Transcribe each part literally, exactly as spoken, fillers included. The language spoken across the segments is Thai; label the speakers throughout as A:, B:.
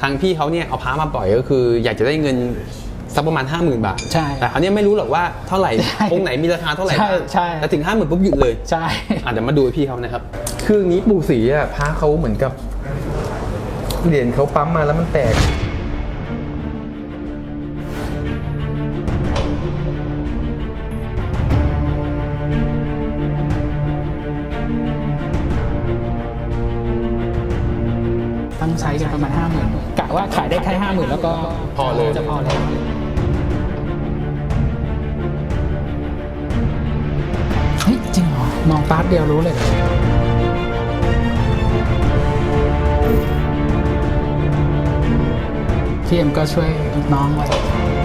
A: ทางพี่เขาเนี่ยเอาพระมาปล่อยก็คืออยากจะได้เงินสักประมาณ ห้าหมื่น บาทใช่แต่เขาเนี่ยไม่รู้หรอกว่าเท่าไหร่องค์ไหนมีราคาเท่าไหร่บ้างใช่แต่ถึง ห้าหมื่น ปุ๊บหยุดเลยใช่อาจจะมาดูพี่เขานะครับคือนี้ปู่ศรีอ่ะพระเขาเหมือนกับเหรียญเขาปั๊มมาแล้วมันแตก
B: ตั้งใช้กันประมาณ ห้าหมื่น กะว่าขายได้แค่ ห้าหมื่น แล้วก็
A: พอเลย
B: จะพอเลยเฮ้ยจริงเหรอมองป๊าบเดียวรู้เลยพี่เอ็มก็ช่วยน้องไว้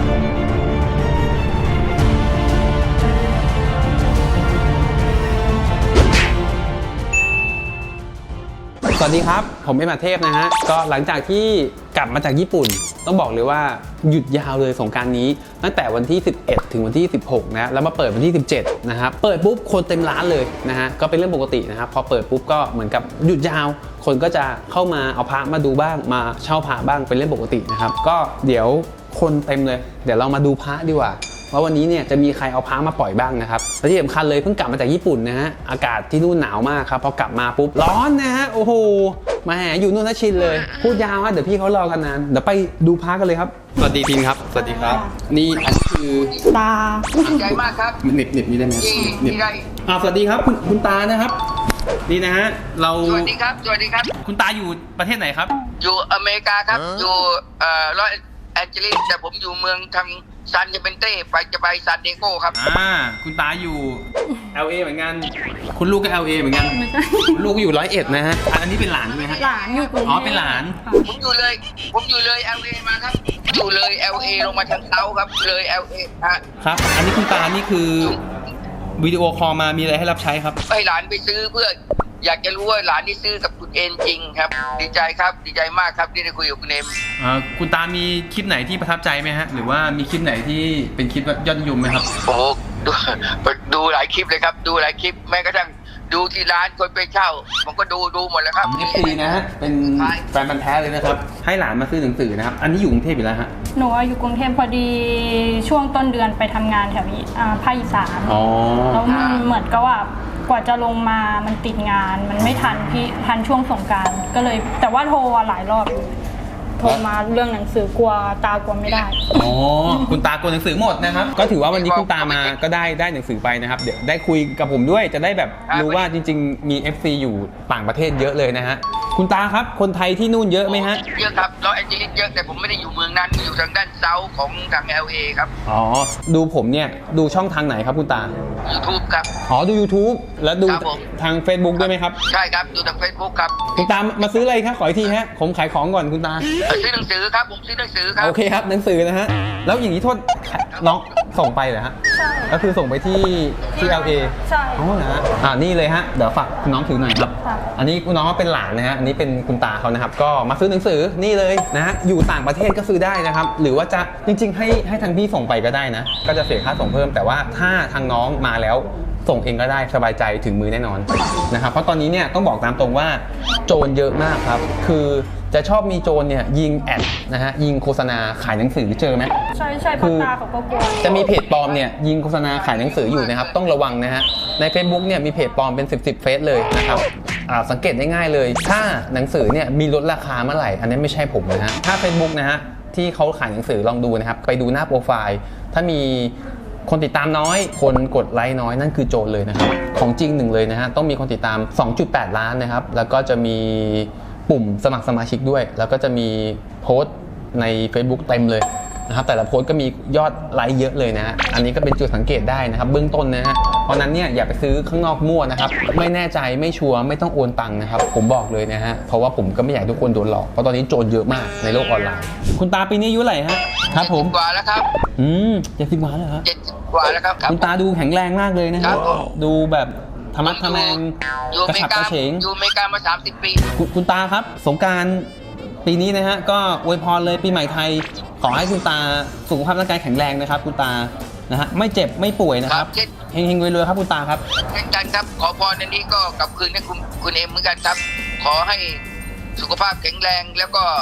A: สวัสดีครับผมเอ็มอาเทพนะฮะก็หลังจากที่กลับมาจากญี่ปุ่นต้องบอกเลยว่าหยุดยาวเลยสงกรานต์นี้ตั้งแต่วันที่สิบเอ็ดถึงวันที่สิบหกนะแล้วมาเปิดวันที่สิบเจ็ดนะครับเปิดปุ๊บคนเต็มร้านเลยนะฮะก็เป็นเรื่องปกตินะครับพอเปิดปุ๊บก็เหมือนกับหยุดยาวคนก็จะเข้ามาเอาพระมาดูบ้างมาเช่าพระบ้างเป็นเรื่องปกตินะครับก็เดี๋ยวคนเต็มเลยเดี๋ยวเรามาดูพระดีกว่าว่าวันนี้เนี่ยจะมีใครเอาพระมาปล่อยบ้างนะครับและที่สำคัญเลยเพิ่งกลับมาจากญี่ปุ่นนะฮะอากาศที่นู่นหนาวมากครับพอกลับมาปุ๊บร้อนนะฮะโอ้โหมาแหอยู่นู่นนะชินเลยพูดยาวฮะเดี๋ยวพี่เขารอกันนานเดี๋ยวไปดูพระกันเลยครับสวัสดีทีมครับสวัสดีครับนี่อันนี้คือ
C: ตา
D: ใจมากครับ
A: เน็บเน็บนี่ได้ไหมเน็บอ่าสวัสดีครับคุณคุณตานะครับนี่นะฮะเรา
D: สวัสดีครับสวัสดีครับ
A: คุณตาอยู่ประเทศไหนครับ
D: อยู่อเมริกาครับอยู่เอ่อลอสแอนเจลิสแต่ผมอยู่เมืองทางซานเปนเต้ไปจะไปซานดิเอโกครับ
A: อ่าคุณตาอยู่ แอล เอ เหมือนกันคุณลูกก็ แอล เอ เหมือนกันลูกอยู่ร้อยเอ็ดนะฮะอันนี้เป็นหลานใช่ไหมฮะ
C: หลานอยู่กรุงเทพ
A: อ๋อเป็นหลาน
D: ผมอยู่เลยผมอยู่เลย แอล เอ มาครับอยู่เลย แอล เอ ลงมาทางเซาครับเลย แอล เอ ฮะ
A: ครับอันนี้คุณตานี่คือวิดีโอคอลมามีอะไรให้รับใช้ครับ
D: ให้หลานไปซื้อเพื่ออยากจะรู้ว่าหลานที่ซื้อกับคุณเอ็นจริงครับดีใจครับดีใจมากครับที่ได้คุยกับคุณเอ็ม
A: อ่าคุณตามีคลิปไหนที่ประทับใจไหมฮะหรือว่ามีคลิปไหนที่เป็นคลิปยอดนิยมไหมครับ
D: โอ้ดูดูหลายคลิปเลยครับดูหลายคลิปแม้กระทั่งดูที่ร้านคนไปเช่าผมก็ดูดูหมดแล้วครับ
A: เอฟ ซี นะฮะเป็นแฟนพันธุ์แท้เลยนะครับให้หลานมาซื้อหนังสือนะครับอันนี้อยู่กรุงเทพอยู่แล้วฮะ
C: หนูอยู่กรุงเทพพอดีช่วงต้นเดือนไปทำงานแถวภาคอีสานแล้วมันเหมือนกับว่ากว่าจะลงมามันติดงานมันไม่ทันพี่ทันช่วงสงกรานต์ก็เลยแต่ว่าโทรหลายรอบโทรมาเรื่องหนังสือกลัวตากลัวไม่ได้
A: อ๋อคุณตากลัวหนังสือหมดนะครับก็ถือว่าวันนี้คุณตามาก็ได้ได้หนังสือไปนะครับเดี๋ยวได้คุยกับผมด้วยจะได้แบบรู้ว่าจริงๆมี เอฟ ซี อยู่ต่างประเทศเยอะเลยนะฮะคุณตาครับคนไทยที่นู่นเยอะไหมฮะ
D: เยอะครับลอสแอนเจลิสเยอะแต่ผมไม่ได้อยู่เมืองนั้นอยู่ทางด้านเซาท์ของทาง แอล เอ ครับ
A: อ๋อดูผมเนี่ยดูช่องทางไหนครับคุณตา
D: YouTube ครับ
A: อ๋อดู YouTube แล้วดูทาง Facebook ด้วยไหมครับ
D: ใช่ครับดูทาง Facebook ครับ
A: คุณตามาซื้ออะไรครับขออีกทีฮะผมขายของก่อนคุณตา
D: ซื้อหนังสือครับผมซื้อหนังสือครับ
A: โอเคครับหนังสือนะฮะแล้วอย่างนี้โทษน้องส่งไปเหรอฮะ
C: ใช่
A: ก็คือส่งไปที่ที่ แอล เอ
C: ใช่
A: อ๋อนะฮะอ่านี่เลยฮะเดี๋ยวฝากคุณน้องถือหน่อยครับอันนี้คุณน้องเป็นหลานนะฮะอันนี้เป็นคุณตาเขานะครับก็มาซื้อหนังสือนี่เลยนะฮะอยู่ต่างประเทศก็ซื้อได้นะครับหรือว่าจะจริงๆให้ให้ทางพี่ส่งไปก็ได้นะก็จะเสียค่าส่งเพิ่มแต่ว่าถ้าทางน้องมาแล้วส่งเองก็ได้สบายใจถึงมือแน่นอนนะครับเพราะตอนนี้เนี่ยต้องบอกตามตรงว่าโจรเยอะมากครับคือจะชอบมีโจรเนี่ยยิงแอดนะฮะยิงโฆษณาขายหนังสือเจอไหม
C: ใช่ใช่คือตาเขาก็กลัว
A: จะมีเพจปลอมเนี่ยยิงโฆษณาขายหนังสืออยู่นะครับต้องระวังนะฮะใน Facebook เนี่ยมีเพจปลอมเป็นสิบ สิบเฟซเลยนะครับสังเกตได้ง่ายเลยถ้าหนังสือเนี่ยมีลดราคาเมื่อไหร่อันนี้ไม่ใช่ผมนะฮะถ้า Facebook นะฮะที่เขาขายหนังสือลองดูนะครับไปดูหน้าโปรไฟล์ถ้ามีคนติดตามน้อยคนกดไลค์น้อยนั่นคือโจรเลยนะครับของจริงหนึ่งเลยนะฮะต้องมีคนติดตาม สองจุดแปด ล้านนะครับแล้วก็จะมีปุ่มสมัครสมาชิกด้วยแล้วก็จะมีโพสต์ใน Facebook เต็มเลยนะครับแต่ละโพสต์ก็มียอดไลค์เยอะเลยนะฮะอันนี้ก็เป็นจุดสังเกตได้นะครับเบื้องต้นนะฮะเพราะนั้นเนี่ยอย่าไปซื้อข้างนอกมั่วนะครับไม่แน่ใจไม่ชัวร์ไม่ต้องโอนตังค์นะครับผมบอกเลยนะฮะเพราะว่าผมก็ไม่อยากทุกคนโดนหลอกเพราะตอนนี้โจรเยอะมากในโลกออนไลน์คุณตาปีนี้อายุเท่าไหร่ฮะครับผม
D: กว่าแล้วครับ
A: อืมเจ็ดสิบกว่าแล้วครับ
D: เจ็ดสิบกว่าแล้วครับ
A: คุณตาดูแข็งแรงมากเลยนะครับดูแบบธรรมะทะแมง
D: กระฉับกระเฉงอยู่อเมริกามาสามสิบปี
A: คุณตาครับสงกรานต์ปีนี้นะฮะก็อวยพรเลยปีใหม่ไทยขอให้คุณตาสุขภาพร่างกายแข็งแรงนะครับคุณตานะฮะไม่เจ็บไม่ป่วยนะครับเฮงๆรวยๆครับคุณตาครับ
D: เช่นกันครับขอพรในนี้ก็กลับคืนให้คุณคุณเอ็มเหมือนกันครับขอให้สุขภาพแข็งแรงแล้วก็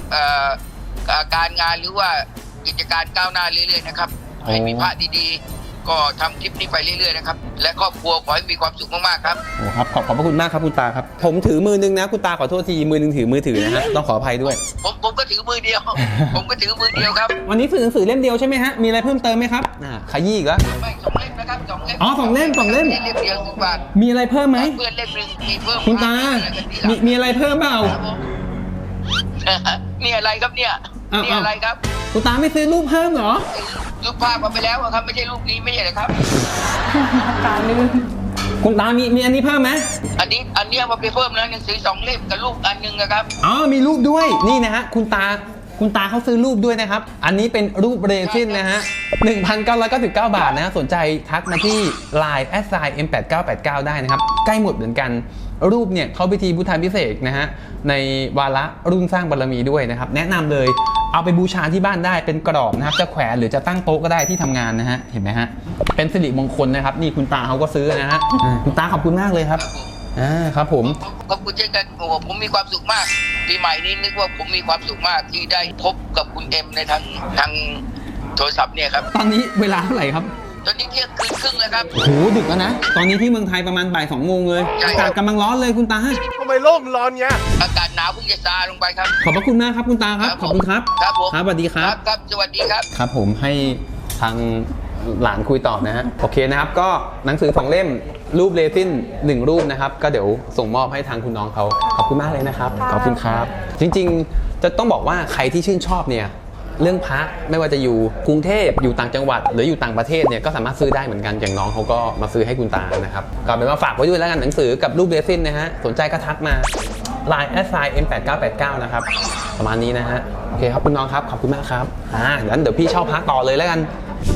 D: เอ่อการงานหรือว่ากิจการก้าวหน้าเรื่อยๆนะครับให้มีพระดีๆก็ทำคลิปนี้ไปเรื่อยๆนะครับและครอบครัวขอให้มีความสุขมากๆครับ
A: โอ้ครับขอบขอบพระคุณมากครับคุณตาครับผมถือมือนึงนะคุณตาขอโทษทีมือนึงถือมือถือนะฮะต้องขออภัยด้วย
D: ผมผมก็ถือมือเดียว ผมก็ถือมือเดียวครับ
A: วันนี้สื่อหนังสือเล่มเดียวใช่ไหมฮะมีอะไรเพิ่มเติมไหมครับอ่าขยี้อีกแล้ว
D: ไม่สองเล่มนะครับสองเล่ม
A: อ๋อสองเล่มสองเล่ม
D: เล่มเดียวสิบบาท
A: มีอะไรเพิ่มไหม
D: เพื่อนเล่มหนึ่งมีเพิ่ม
A: คุณตามีมีอะไรเพิ่มเปล่า
D: ครับผมนี่อะไรครับเนี่ย
A: อ้าว
D: นี่อะไรครับ
A: คุณตาไม่ซื้อรูปเพิ่มเหรอ
D: รูปภาพมาไปแล้วอะครับไม่ใช่รูปนี้ไม่ใช่เหรอครับ
C: ตาลื่น
A: คุณตามีมีอันนี้เพิ่มไหม
D: อันนี้อันเนี้ยมาไปเพิ่มแล้วหนังสือสองเล่มกับรูปอันหนึ่งนะครับ
A: อ๋อมีรูปด้วยนี่นะฮะคุณตาคุณตาเขาซื้อรูปด้วยนะครับอันนี้เป็นรูปเรซินนะฮะ หนึ่งพันเก้าร้อยเก้าสิบเก้า บาทนะฮะสนใจทักมาที่ ไลน์ แอทไซน์ เอ็ม แปดเก้าแปดเก้า ได้นะครับใกล้หมดเหมือนกันรูปเนี่ยเขาพิธีพุทธาพิเศษกนะฮะในวาระรุ่นสร้างบารมีด้วยนะครับแนะนำเลยเอาไปบูชาที่บ้านได้เป็นกรอบนะครับจะแขวนหรือจะตั้งโต๊ะก็ได้ที่ทำงานนะฮะเห็นไหมฮะเป็นสิริมงคลนะครับนี่คุณตาเขาก็ซื้อนะฮะอ่าคุณตาขอบคุณมากเลยครับอ่าครับผม
D: ขอบคุณเช่นกันโอ้โหผมมีความสุขมากปีใหม่นี้นึกว่าผมมีความสุขมากที่ได้พบกับคุณเอ็มในทางทางโทรศัพท์เนี่ยครับ
A: ตอนนี้เวลาเท่าไหร่ครับ
D: ตอนนี้เที่ยงคืนครึ่งแล้วครับ
A: โอ้โหดึกแล้วนะ ตอนนี้ที่เมืองไทยประมาณบ่ายสองโมงเลย
D: ใช่
A: อา
D: ครับ
A: กาศกำลังร้อนเลยคุณตา
E: ทำไมโลกมันร้อนเงี้ย
D: อากาศหนาวเพิ่งจะซาลงไปครับ
A: ขอบพระคุณมากครับคุณตาครับ ขอบคุณครับ
D: ครับผม
A: ครับสวัสดีครับ
D: ครับสวัสดีครับ
A: ครับผมให้ทางหลานคุยต่อนะฮะ โอเคนะครับ ก็หนังสือสองเล่ม รูปเรซินหนึ่งรูปนะครับ ก็เดี๋ยวส่งมอบให้ทางคุณน้องเขา ขอบคุณมากเลยนะครับ ขอบคุณครับ จริงๆ จะต้องบอกว่าใครที่ชื่นชอบเนี่ย เรื่องพระไม่ว่าจะอยู่กรุงเทพอยู่ต่างจังหวัด หรืออยู่ต่างประเทศเนี่ยก็สามารถซื้อได้เหมือนกันอย่างน้องเขาก็มาซื้อให้คุณตานะครับก็เป็นว่าฝากไว้ด้วยแล้วกันหนังสือกับรูปเรซินนะฮะสนใจก็ทักมา ไลน์ แอทไซน์ เอ็ม แปดเก้าแปดเก้า นะครับประมาณนี้นะฮะโอเคครับคุณน้องครับขอบคุณมากครับอ่างั้นเดี๋ยวพี่เช่าพระต่อเลยแล้วกัน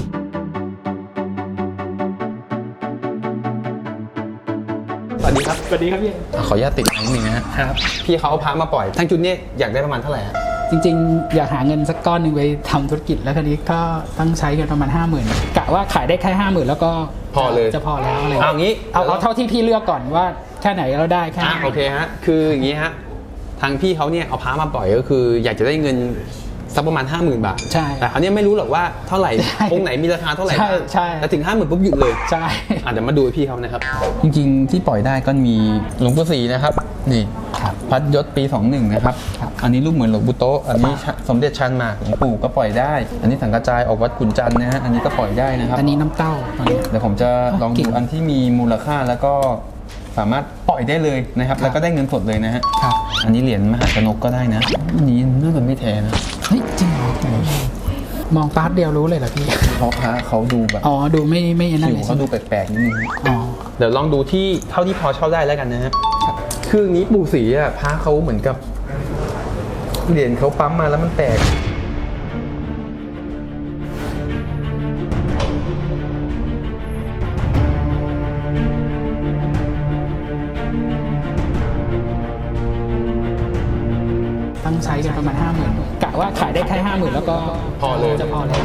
A: สวัสดีครับ
B: สวัสดีครับพี่
A: ขออนุญาตติดนิดนึงนะฮะครับพี่เขาเอาพระมาปล่อยทั้งชุดนี้อยากได้ประมาณเท่าไหร่ฮะ
B: จริงๆ อยากหาเงินสักก้อนหนึ่งไปทำธุรกิจแล้วคราวนี้ก็ต้องใช้เงินประมาณห้าหมื่นกะว่าขายได้แค่ห้าหมื่นแล้วก็
A: พอเลย
B: จะพอแล้วอะไร
A: เอางี้
B: เอาเอาเท่าที่พี่เลือกก่อนว่าแค่ไหนเราได้แค่
A: อ่ะ
B: นั้น
A: โอเคฮะคืออย่างนี้ฮะทางพี่เขาเนี่ยเอาพระมาปล่อยก็คือ อยากจะได้เงินสักประมาณ ห้าหมื่น บาท
B: ใช่
A: แต่เขาเนี่ยไม่รู้หรอกว่าเท่าไหร่
B: ใช่
A: องค์ไหนมีราคาเท่าไหร่
B: ใช่
A: บ้าง
B: ใช่
A: แต่ถึง ห้าหมื่น ปุ๊บหยุดเลย
B: ใช่
A: อ่ะเดี๋ยวมาดูพี่เขานะครับจริงๆที่ปล่อยได้ก็มีหลวงปู่ศรีนะครับนี่พัดยศปีสองหนึ่งนะครับอันนี้รูปเหมือนหลวงปู่โตะอันนี้สมเด็จชันหมากหลวงปู่ก็ปล่อยได้ อันนี้สังกระจายออกวัดขุนจันทร์นะฮะอันนี้ก็ปล่อยได้นะครับ
B: อันนี้น้ำเต้าตอนนี้
A: เดี๋ยวผมจะลอง
B: เก่
A: ดู
B: ง
A: อันที่มีมูลค่าแล้วก็สามารถปล่อยได้เลยนะครับ แล้วก็ได้เงินสดเลยนะฮะ
B: ครับ
A: อันนี้เหรียญมหาชนกก็ได้นะอันนี้น่าจะไม่แท้นะ
B: เฮ้ยจริงเหรอมองปาร์ทเดียวรู้เลยเหรอพี่
A: เพราะพระเขาดูแบบ
B: อ๋อดูไม่ไม่นั่น
A: ผิว
B: เลย
A: เขาดูแปลกๆนิดนึง
B: อ๋อ
A: เดี๋ยวลองดูที่เท่าที่พอเช่าได้แล้วกันนะฮะคืออย่างนี้ปู่ศรีอ่ะพระเขาเหมือนกับเหรียญเขาปั๊มมาแล้วมันแตก
B: ต้องใช้กันประมาณห้าหมื่นกะว่าขายได้แค่ห้าหมื่นแล้วก็
A: พอเลย
B: จะพอแล้ว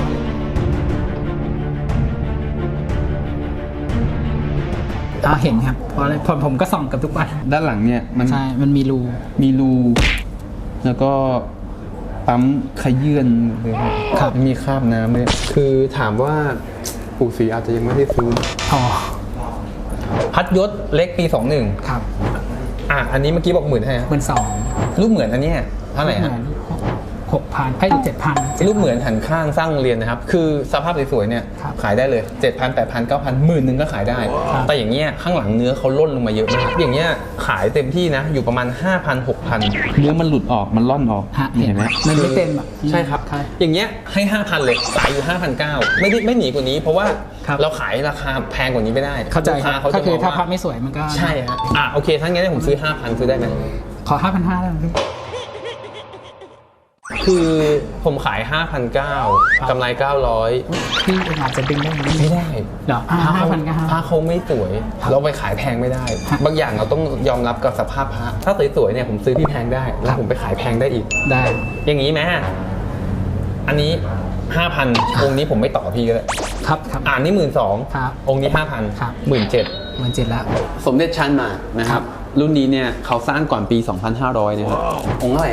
B: อ่าเห็นครับเพราะอะไรผมผมก็ส่องกับทุกวัน
A: ด้านหลังเนี่ยมัน
B: ใช่ มันมีรู
A: มีรูแล้วก็ปั๊มขยื่นเลยครับมีคราบน้ำเลยคือถามว่าปู่ศรีอาจจะยังไม่ได้ซื้อ
B: อ๋อ
A: พัดยศเล็กปีสองหนึ่ง
B: ครับ
A: อ่ะอันนี้เมื่อกี้บอกหมื่นให้
B: หมื่นสอง
A: รูปเหมือนอันเนี้ยเท่าไหร่ฮะ
B: หกพันให้เจ็ดพัน
A: รูปเหมือนหันข้างสร้างโรงเรียนนะครับคือสภาพสวยๆเนี่ย
B: ครับ
A: ขายได้เลย เจ็ดพัน แปดพัน เก้าพัน หมื่นหนึ่งก็ขายได้
B: ครับ
A: แต่อย่างเงี้ยข้างหลังเนื้อเขาล่นลงมาเยอะมากอย่างเงี้ยขายเต็มที่นะอยู่ประมาณ ห้าพัน หกพัน เนื้อมันหลุดออกมันล่อนออก
B: ฮะเห็นไหมมันไม่เต็มอ่ะ
A: ใช่ครับ
B: ใช่
A: อย่างเงี้ยให้ ห้าพัน เลยขายอยู่ ห้าพันเก้าร้อย ไม่ได้ไม่หนีกว่านี้ เพราะว่า
B: ครับ
A: เราขายราคาแพงกว่านี้ไม่ได้
B: เข้าใจ
A: ลูก
B: ค
A: ค้า
B: รับ
A: เขา
B: ก็
A: จะ
B: คือ
A: มอง
B: ถ้า
A: ว่า
B: พับไม่สวยมันก็
A: ใช่ฮะอ่ะโอเคถ้างั้นผมซื้อ ห้าพัน ซื้อได้ไหม
B: ขอห้าพันห้าได้ไหมพี่
A: คือผมขาย ห้าพันเก้าร้อย กำไร เก้าร้อย
B: พี่อาจจะดึงได้ไหม
A: ไม่ได้
B: เหรออ่า
A: พระเขา
B: ห้าพันก็ห้า
A: พระเขาไม่สวย เราไปขายแพงไม่ได้
B: ครับ
A: บางอย่างเราต้องยอมรับกับสภาพพระถ้าสวยๆเนี่ยผมซื้อที่แพงได้ แล้วผมไปขายแพงได้อีก
B: ได้
A: อย่างนี้ไหมอันนี้ ห้าพัน องค์นี้ผมไม่ต่อพี่ก็ได้
B: ครับครับ
A: อ่านนี่หมื่นสอง
B: ครับ
A: องค์นี้ ห้าพัน
B: ครับ
A: หมื่นเจ็ด
B: หมื่นเจ็ดแล้ว
A: สมเด็จชันหมากนะครับ รุ่นนี้เนี่ยเขาสร้างก่อนปี สองพันห้าร้อย นะครับ องค์เท่าไหร่ฮะ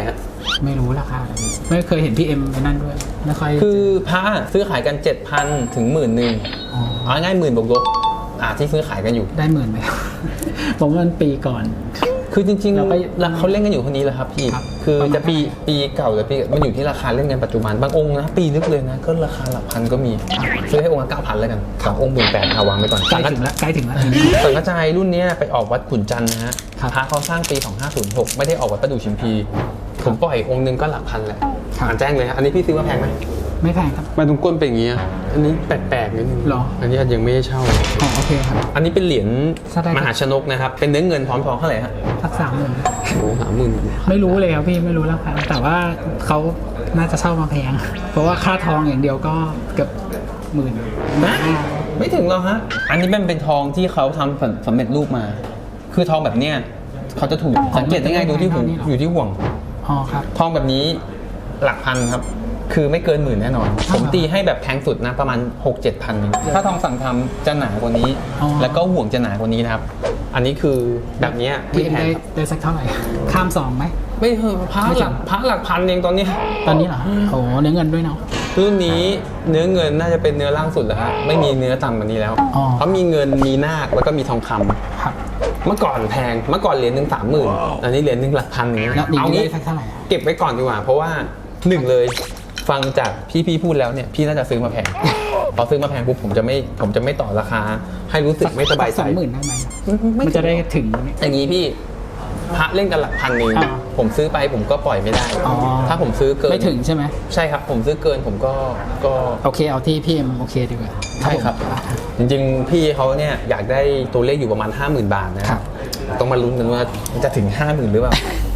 B: ไม่รู้ราคาเลยไม่เคยเห็นพี่เอ็มไอ้นั่นด้วยไม่ค่อย
A: คือพระซื้อขายกัน เจ็ดพัน ถึงหมื่นหนึ่ง
B: อ๋อ
A: เอาง่ายหมื่นบวกลบอ่าที่ซื้อขายกันอยู่
B: ได้หมื่นไหม ผมว่ามันปีก่อน
A: คือจริง
B: เราไป
A: ๆแล้วเขาเล่นกันอยู่คนนี้แหละครับพี่
B: ครับ
A: คือ
B: ประมาณ
A: จะปีปีเก่าหรือปีมันอยู่ที่ราคาเล่นกันปัจจุบันบางองค์นะปีลึกเลยนะก็ราคาหลักพันก็มีซื้อให้องค์ละเก้าพันแล้วกันสององค์หมื่นแปดเอาวางไว้ก่อน
B: ใกล้ถึงแล้วใกล้ถึงแล้ว
A: สังกระจายรุ่นเนี้ยไปออกวัดขุนจันทร์นะฮะ
B: ครับ
A: พระเขาสร้างปี สองห้าศูนย์หก ไม่ได้ออกวัดประดู่ชิมพีผมปล่อยองค์นึงก็หลักพันแหละ
B: ครับ
A: อ่านแจ้งเลยฮะอันนี้พี่ซื้อมาแพงไหม
B: ไม่แพงครับ
A: มาตรงก้นเป็นอย่างเงี้ยอันนี้แปลกๆนิดนึง
B: หรอ
A: อันนี้ยังไม่ได้เช่า
B: อ๋อโอเคครับ
A: อันนี้เป็นเหรียญ
B: ถ้าได้
A: มหาชนกนะครับเป็นเนื้อเงินพร้อมทองเท่าไหร่ฮะ
B: สักสามหมื่น
A: โอ้สามหมื่น
B: ไม่รู้เลยครับพี่ไม่รู้ราคาแต่ว่าเขาน่าจะเช่ามาแพง เพราะว่าค่าทองอย่างเดียวก็เกือบหมื่น
A: นะไม่ถึงหรอกฮะอันนี้เป็นเป็นทองที่เขาทำสำสำเร็จรูปมา คือทองแบบเนี้ยเขาจะถูกสังเกตได้ง่ายดูที่หูอยู่ที่ห่วง
B: อ๋อครับ
A: ทองแบบนี้หลักพันครับ คือไม่เกินหมื่นแน่นอน ผมตีให้แบบแพงสุดนะประมาณ หกเจ็ดพันเองถ้าทองสั่งทำจะหนากว่านี้
B: อ๋อ
A: แล้วก็ห่วงจะหนากว่านี้นะครับ อันนี้คือแบบเนี้ยไม่
B: พี่
A: แพง
B: ได้
A: ครับ
B: ได้สักเท่าไหร่ ข้ามสองไหม
A: ไม่เถอะพระ
B: ไม่
A: ห
B: ถึ
A: ลัก
B: ง
A: พระหลักพันเองตอนนี้
B: ตอนนี้เหรอโอ้เนื้อเงินด้วยเนาะ
A: รุ่นนี้เนื้อเงินน่าจะเป็นเนื้อล่างสุดแล้วฮะไม่มีเนื้อต่ำกว่านี้แล้ว
B: อ๋อ
A: เพราะมีเงินมีนาคแล้วก็มีทองคำ
B: ครับ
A: เมื่อก่อนแพงเมื่อก่อนเหรียญหนึ่งสามหมื่นอันนี้เหรียญหนึ่งหลักพันอย่างเงี้ย
B: แล้วดี
A: เอา
B: ได้
A: งี้
B: สักเท่าไหร่อะ
A: เก็บไว้ก่อนดีกว่าเพราะว่าหนึ่งเลยฟังจากพี่พี่พูดแล้วเนี่ยพี่น่าจะซื้อมาแพง พอซื้อมาแพงปุ๊บผมจะไม่ผมจะไม่ต่อราคา ให้รู้สึกไม่สบายใจ
B: สองหมื่นได้ไหม
A: ไม่
B: มันจะได้ถึง
A: อย่างนี้พี่พระเล่นกันหลักพันเอง
B: อ่า
A: ผมซื้อไปผมก็ปล่อยไม่ได้
B: อ๋อ
A: ถ้าผมซื้อเกิน
B: ไม่ถึงใช่ไหม
A: ใช่ครับผมซื้อเกินผมก็ก็
B: โอเคเอาที่พี่เอ็มโอเคดีกว่า
A: ใช่ครับ จริงๆ พี่เขาเนี่ยอยากได้ตัวเลขอยู่ประมาณ ห้าหมื่น บาทนะครับ ต้องมาลุ้นกันว่าจะถึง ห้าหมื่น หรือเปล่า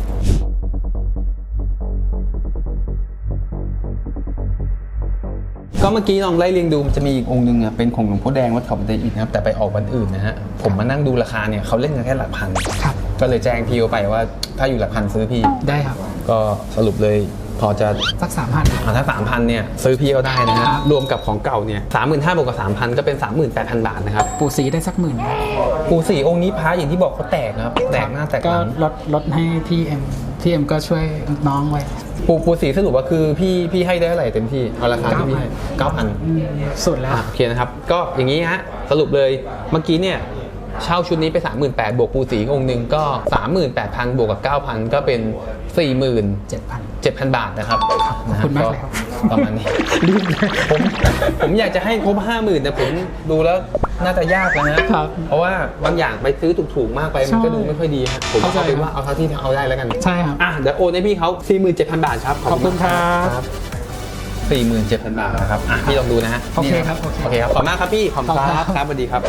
A: ก็เมื่อกี้ลองไล่เรียงดูมันจะมีอีกองค์หนึ่งอ่ะเป็นของหลวงพ่อแดงวัดเขาบันไดอิฐนะครับแต่ไปออกวันอื่นนะฮะผมมานั่งดูราคาเนี่ยเขาเล่นกันแค่หลักพัน
B: ครับ
A: ก็เลยแจ้งพี่เขาไปว่าถ้าอยู่หลักพันซื้อพี่
B: ได้ครับ
A: ก็สรุปเลยพอจะ
B: สักสามพัน
A: อ่าถ้าสามพันเนี่ยซื้อพี่เขาได้นะฮะ
B: ครับ
A: รวมกับของเก่าเนี่ยสามหมื่นห้าบวกกับสามพันก็เป็นสามหมื่นแปดพันบาทนะครับ
B: ปูสีได้สักหมื่น
A: ปูสี่องค์นี้พระอย่างที่บอกเขาแตกนะครับแตกหน้าแตกห
B: ก็
A: ลัง
B: ลดลดให้พี่เอ็มพี่เอ็มก็ช่วยน้องไว้
A: ปูปูสีสรุปว่าคือพี่พี่ให้ได้เท่าไหร่เต็มที่เอาราคาที่พี่ให้เก้าพัน
B: สุดแล้ว
A: โอเคนะครับก็อย่างนี้ฮะสรุปเลยเมื่อกี้เนี่ยเช่าชุดนี้ไป สามหมื่นแปดพัน บวกปูสีองค์หนึ่งก็ สามหมื่นแปดพัน บวกกับ เก้าพัน ก็เป็น สี่หมื่น
B: เจ็ดพัน
A: เจ็ดพัน บาทนะครับ
B: ขอบคุณมากเลยครับ
A: ประมาณนี้ผมผมอยากจะให้ครบห้าหมื่นแต่ผมดูแล้วน่าจะยากแล้วนะครับ เพราะว่าบางอย่างไปซื้อถูกๆมากไปมันก็ดูไม่ค่อยดีฮะผม
B: เข้าใจ
A: เอาเป็น
B: ครับ
A: ว่าเอาเท่าที่เอาได้แล้วกัน
B: ใช่ครับ
A: อ่ะเดี๋ยวโอนให้พี่เขา สี่หมื่นเจ็ดพัน บาทครับ
B: ขอบคุณครับ
A: สี่หมื่นเจ็ดพัน บาทนะครับอ่ะพี่ลองดูนะฮะ
B: โอเคครับ
A: โอเคครับขอบคุณมากครับพี่ขอบคุณครับครับสวัสดีครับ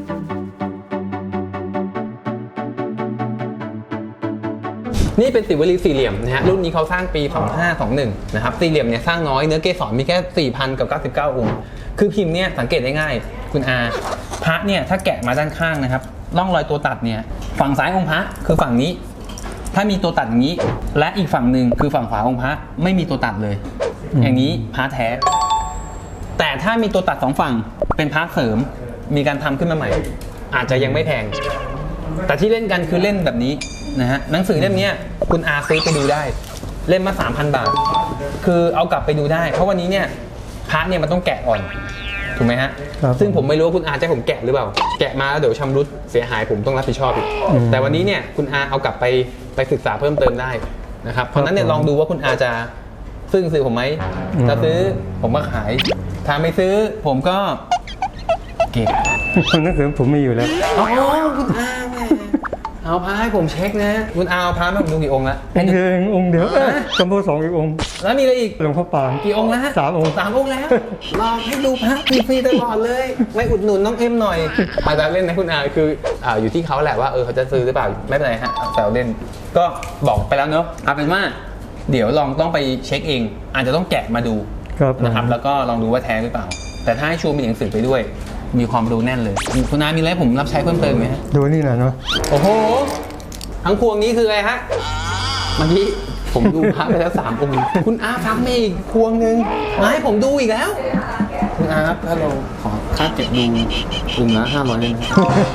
A: นี่เป็นสิวลีสี่เหลี่ยมนะฮะรุ่นนี้เขาสร้างปี สองห้าสองหนึ่ง นะครับสี่เหลี่ยมเนี่ยสร้างน้อยเนื้อเกสรมีแค่ สี่พัน กับ เก้าสิบเก้า องค์ คือพิมพ์เนี่ยสังเกตได้ง่ายคุณอาพระเนี่ยถ้าแกะมาด้านข้างนะครับร่องรอยตัวตัดเนี่ยฝั่งซ้ายองค์พระคือฝั่งนี้ ถ้ามีตัวตัดอย่างนี้ และอีกฝั่งหนึ่งคือฝั่งขวาองค์พระไม่มีตัวตัดเลย อย่างนี้พระแท้ แต่ถ้ามีตัวตัดสองฝั่งเป็นพระเสริมมีการทำขึ้นมาใหม่ อาจจะยังไม่แพง แต่ที่เล่นกันคือเล่นแบบนี้นะฮะหนังสือเล่มนี้คุณอาซื้อไปดูได้เล่มมา สามพัน บาท คือเอากลับไปดูได้ เพราะวันนี้เนี่ยพระเนี่ยมันต้องแกะก่อนถูกไหมฮะ
E: ครับ
A: ซึ่งผมไม่รู้ว่าคุณอาจะให้ผมแกะหรือเปล่า แกะมาแล้วเดี๋ยวชำรุดเสียหายผมต้องรับผิดชอบอีก
E: อืม
A: แต่วันนี้เนี่ยคุณอาเอากลับไปไปศึกษาเพิ่มเติมได้นะครับเพราะฉะนั้นเนี่ยลองดูว่าคุณอาจะซื้อซื้อผมไหมถ้าซื้อผมก็ขายถ้าไม่ซื้อผมก็เก็บ
E: หนังสือผมมีอยู่แล้ว
A: อ๋อคุณอาแหมเอาพระให้ผมเช็คนะ คุณอาเอาพระมาผมดูกี่องค์ละ
E: องค์เดียวเององค์เดียวเอ้ยจำพวกสองอีกองค์
A: แล้วมีอะไรอีก
E: หลวงพ่อปาน
A: กี่องค์แล้วฮะ
E: สามองค์
A: สามองค์แล้วรอให้ดูพระฟรีๆตลอดเลยไม่อุดหนุนน้องเอ็มหน่อยอาจจะเล่นนะคุณอาคืออ่าอยู่ที่เขาแหละว่าเออเขาจะซื้อหรือเปล่าไม่เป็นไรฮะแซวเล่นก็บอกไปแล้วเนอะเอาเป็นว่าเดี๋ยวลองต้องไปเช็คเอง อาจจะต้องแกะมาดู
E: ครับผม
A: นะครับแล้วก็ลองดูว่าแท้หรือเปล่า แต่ถ้าให้ชัวร์มีหนังสือไปด้วย มีความรู้แน่นเลยคุณอามีอะไรให้ผมรับใช้เพิ่มเติมไหมฮะ
E: ดูนี่หน่อยเนาะ
A: โอ้โห ทั้งพวงนี้คืออะไรฮะ เมื่อกี้ผมดูพระไปแล้วสามองค์ คุณอาฟังมาอีกพวงหนึ่งมาให้ผมดูอีกแล้ว คุณอาครับถ้าเราขอค่าเก็บดูองค์ละห้าร้อยได้ไหม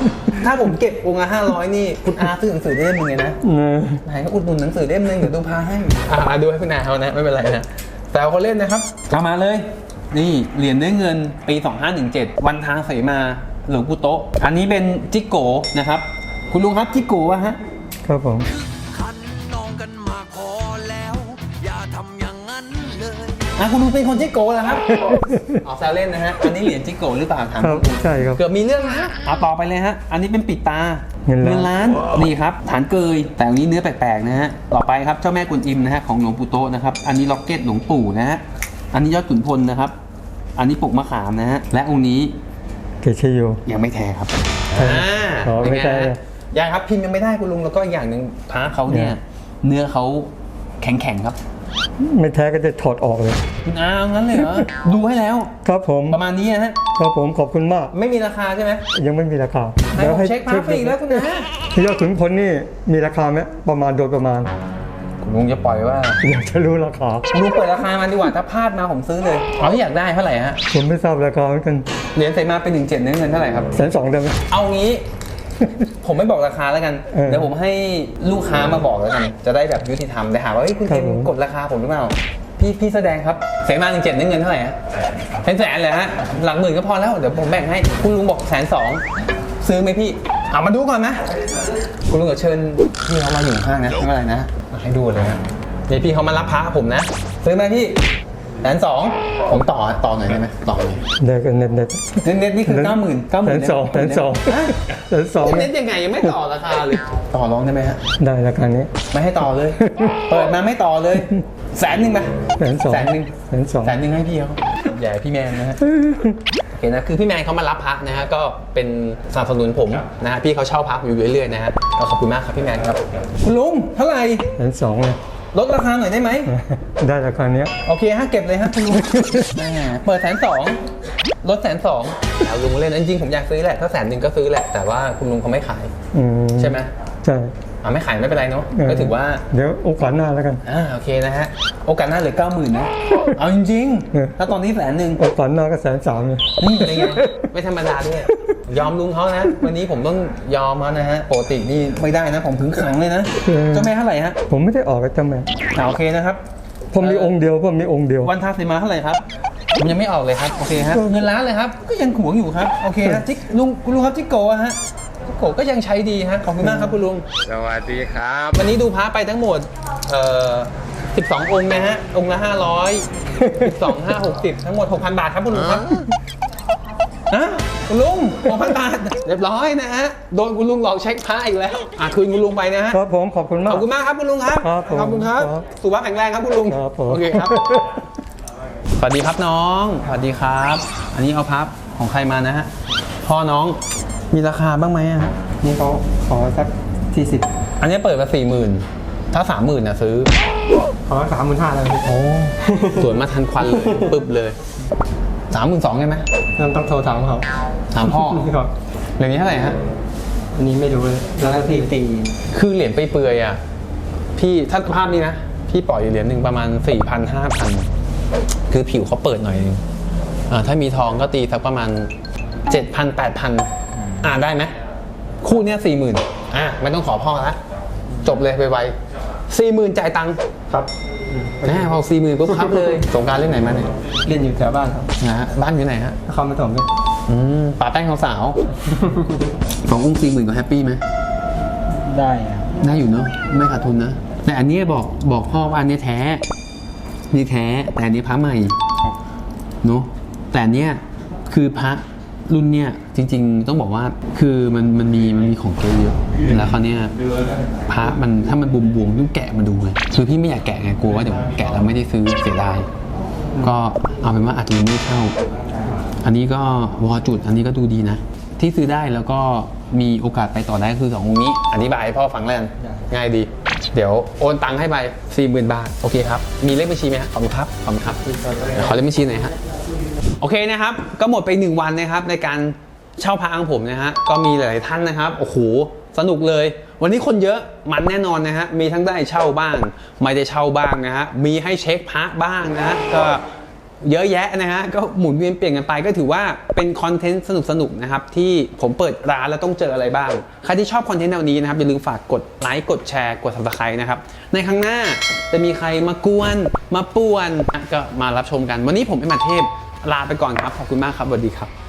A: ถ้าผมเก็บองค์ละห้าร้อยนี่คุณอาซื้อหนังสือได้เล่มหนึงเลยนะ
E: เออ
A: ไหนก็อุดหนุนหนังสือเล่มหนึงเดี๋ยวดูพาให้อ่าดูให้คุณอาเขานะไม่เป็นไรนะแต่เอาเขาเล่นนะครับเอามาเลยนี่เหรียญเนื้อเงินปีสองห้าหนึ่งเจ็ดวันทางเสมาหลวงปู่โตะอันนี้เป็นจิโกนะครับคุณลุงครับจิโกะฮะ
E: ครับผม
F: คันนองกันมาพอแล้ว อย่าทำอย่างนั้นเลย
A: อ่ะคุณลุงเป็นคนจิโกะเหรอครับ อ๋อแซวเล่นนะฮะอันนี้เหรียญจิโกะหรือเปล่าถาม
E: ครับ
A: คุณลุง
E: ใช่ครับ
A: เกือบมีเรื่องนะเอาต่อไปเลยฮะอันนี้เป็นปิดตา
E: เงินล้าน
A: ล้านนี่ครับฐานเกยแต่อันนี้เนื้อแปลกๆนะฮะต่อไปครับเจ้าแม่กุนอิมนะฮะของหลวงปู่โตะนะครับอันนี้ล็อกเก็ตหลวงปู่นะฮะอันนี้ยอดขุนพลนะครับอันนี้ปกมะขามนะฮะและองค์นี้
E: เกชโย
A: ยังไม่แท้ครับ
E: อ๋อไม่ใช่
A: เป็นงฮะยังครับพิมพ์ยังไม่ได้คุณลุงแล้วก็อีกอย่างหนึ่งพระเขาเนี่ย
E: เนี่ย
A: เนื้อเขาแข็งๆครับ
E: ไม่แท้ก็จะถอดออกเลย
A: คุณอาเอางั้นเลยเหรอ ดูให้แล้ว
E: ครับผม
A: ประมาณนี้นะฮะ
E: ครับผมขอบคุณมาก
A: ไม่มีราคาใช่ไหม
E: ยังไม่มีราคา
A: ให้ผมเช็คพระฟรีแล้วคุณอา
E: ยอดขุนพลนี่มีราคาไหมประมาณโดยประมาณ
A: คุณลุงจะปล่อยว่า
E: อยากจะรู้ราคา
A: ลุงเปิดราคามาดีกว่าถ้าพลาดมาผมซื้อเลยเอาที่อยากได้เท่าไหร่ฮะ
E: ผมไม่ทราบราคาเหมือนกัน
A: เหรียญใส่มาเป็นหนึ่งเจ็ดเนื้อเงินเท่าไหร่ครับ
E: แสนสองได้ไหม
A: เอางี้ ผมไม่บอกราคาแล้วกัน
E: เออ
A: เดี๋ยวผมให้ลูกค้ามาบอกแล้วกัน จะได้แบบยุติธรรมแต่หาว่าเฮ้ยคุณ
E: ครั
A: เจ
E: บ
A: ม
E: ผม
A: กดราคาผมหรือเปล่า พี่พี่แสดงครับเสมาหนึ่งเจ็ดเงินเท่าไหร่ฮะเป็นแสนเลยฮะ หลักหมื่นก็พอแล้ว เดี๋ยวผมแบ่งให้ คุณลุงบอกแสนสองซื้อไหมพี่เอามาดูก่อนนะ คุณลุงก็เชิญพี่เขามาอยู่ข้างนะไม่เป็นไรนะมาให้ดูเลยนะเดี๋ยวพี่เขามารับพระผมนะ ซื้อไหมพี่แสนสองผมต่อต่อหน่อยได้ไหมต่อหน่อย
E: ได้กันเน็ตเน็ต
A: เน็ตเน็ตนี่คือเก้าหมื่นเก้าห
E: แส
A: มื่น
E: นสองแสนสองแสนสอง
A: เน็ตยังไงยังไม่ต่อราคาเลย ต่อรองได้ไหมฮะ
E: ได้ราคานี้
A: ไม่ให้ต่อเลย เปิดมาไม่ต่อเลย แสนหนึ่งไหม
E: แสนสอง
A: แสนหนึ่ง
E: แสนสอง
A: แสนหนึ่งให้พี่เขาอย่าให้พี่แมนนะฮะโอเคนะคือพี่แมนเขามารับพระนะฮะก็เป็นสนับสนุนผมนะฮะพี่เขาเช่าพระผมอยู่เรื่อยๆนะฮะก็ขอบคุณมากครับพี่แมนครับคุณลุงเท่าไหร่
E: แสนสองเลย
A: ลดราคาหน่อยได้ไหม
E: ได้ราคานี้
A: โอเคฮะเก็บเลยฮะคุณลุงแหมเปิดแสนสองลดแสนสองแล้วลุงเล่นจริงๆผมอยากซื้อแหละถ้าแสนหนึ่งก็ซื้อแหละแต่ว่าคุณลุงเขาไม่ขาย
E: อืม
A: ใช่ไหม
E: ใช่
A: อ่าไม่ขายไม่เป็นไรเนาะ
E: เออ
A: ก็ถือว่า
E: เดี๋ยวโอกาสหน้าแล้วกัน
A: อ่าโอเคนะฮะโอกาสหน้าเหลือเก้าหมื่นนะ เอาจริง
E: เออ
A: ๆถ้าตอนนี้แสนหนึ่ง
E: โอกาสหน้าก็แสนสามเลย
A: นี่เป็นไงไม่ธรรมดาด้วยยอมลุงเขานะ วันนี้ผมต้องยอมเขานะฮะปกตินี่ไม่ได้นะผมถึงขังเลยนะเจ้าแม่เท่าไหร่ฮะ
E: ผมไม่ได้ออกกับเจ้าแม่
A: อ่าโอเคนะครับ
E: ผมมีองค์เดียวผมมีองค์เดียว
A: วันทาสีมาเท่าไหร่ครับผมยังไม่ออกเลยครับโอเคครับเงินล้านเลยครับก็ยังหวงอยู่ครับโอเคครับจิกลุงคุณลุงครับจิกโกะฮะจิกโกะก็ยังใช้ดีฮะขอบคุณมากครับคุณลุง
G: สวัสดีครับ
A: วันนี้ดูพระไปทั้งหมดเอ่อสิบสององค์นะฮะ องค์ละห้าร้อยสิบสอง ห้า หกสิบทั้งหมด หกพัน บาทครับคุณลุงครับนะคุณลุง หกพัน บาท เรียบร้อยนะฮะ โดนคุณลุงหลอกเช็คพระอีกแล้ว อ่ะคืนคุณลุงไปนะฮะ
E: ครับผมขอบคุณมา
A: ข
E: ก
A: อบคุณมากครับคุณลุงครับ
E: ครับผม
A: ขอบคุณครับ
E: ครับ
A: สุขภาพแข็งแรงครับคุณลุง
E: ครับผม
A: โอเคครับ สวัสดีครับน้อง สวัสดีครับ อันนี้เอาพับของใครมานะฮะ พ่อน้อง มีราคาบ้างไหมอะฮะ
E: นี่เขาขอสักสี่สิบ
A: อันนี้เปิดมาสี่หมื่นถ้าสามหมื่นน่ะซื้อ
E: ขอสามหมื่นห้าเลย
A: โอ้ สวนมาทันควันเลย ปึ๊บเลยสามหมื่นสองใช่ไหม
E: นั่นต้องโทรถามเขา
A: ถามพ่อ
E: ครับ
A: เหรียญนี้เท่าไหร่ฮะ
E: อันนี้ไม่รู้เลยแล้วก็สี่ตี
A: คือเหรียญไปเปื่อยๆอ่ะ พี่ถ้าภาพนี้นะ พี่ปล่อยอยู่เหรียญหนึ่งประมาณสี่พันห้าพันคือผิวเขาเปิดหน่อยนึงอ่าถ้ามีทองก็ตีสักประมาณเจ็ดพันแปดพันอ่าได้ไหมคู่เนี้ยสี่หมื่นอ่ะไม่ต้องขอพ่อละจบเลยไวๆสี่หมื่นจ่ายตังค์
E: ครับ
A: แน่พอสี่หมื่นปุ๊บครับเลยสงกรานต์เล่นไหนมาเนี่ย
E: เรียนอยู่แถวบ้านครับ
A: นะฮะบ้านอยู่ไหนฮะ
E: นครปฐมเนี่ย
A: อืมป่าแป้งของสาว สององค์สี่หมื่นก็แฮปปี้ไหม
B: ได้อะ
A: ได้อยู่เนาะไม่ขาดทุนนะ แต่อันนี้บอกบอกพ่อว่าอันนี้แท้ นี่แท้ แต่อันนี้พระใหม่เนาะแต่อันเนี้ยคือพระรุ่นเนี้ยจริงๆต้องบอกว่าคือมันมันมีมันมีของเกเยอะแล้วคราวเนี้ยพระมันถ้ามันบวมๆต้องแกะมาดูไงคือพี่ไม่อยากแกะไงกลัวว่าเดี๋ยวแกะแล้วไม่ได้ซื้อเสียดายก็เอาเป็นว่าอาจจะยังไม่เข้า อันนี้ก็วอจุดอันนี้ก็ดูดีนะ ที่ซื้อได้แล้วก็มีโอกาสไปต่อได้คือสององค์นี้อธิบายให้พ่อฟังแล้วกันง่ายดี เดี๋ยวโอนตังค์ให้ไป สี่หมื่น บาทโอเคครับมีเลขบัญชีไหมฮะขอบคุณครับขอบคุณครับเดี๋ยวขอเลขบัญชีหน่อยฮะโอเคนะครับก็หมดไปหนึ่งวันนะครับในการเช่าพระของผมนะฮะก็มีหลายๆท่านนะครับโอ้โหสนุกเลย วันนี้คนเยอะมันแน่นอนนะฮะมีทั้งได้เช่าบ้างไม่ได้เช่าบ้างนะฮะมีให้เช็คพระบ้างนะฮะก็เยอะแยะนะฮะก็หมุนเวียนเปลี่ยนกันไปก็ถือว่าเป็นคอนเทนต์สนุกๆนะครับที่ผมเปิดร้านแล้วต้องเจออะไรบ้างใครที่ชอบคอนเทนต์แนวนี้นะครับอย่าลืมฝากกดไลค์กดแชร์กด ซับสไครบ์ นะครับในครั้งหน้าจะมีใครมากวนมาป่วนก็มารับชมกันวันนี้ผมเอ็มอาเทพลาไปก่อนครับขอบคุณมากครับสวัสดีครับ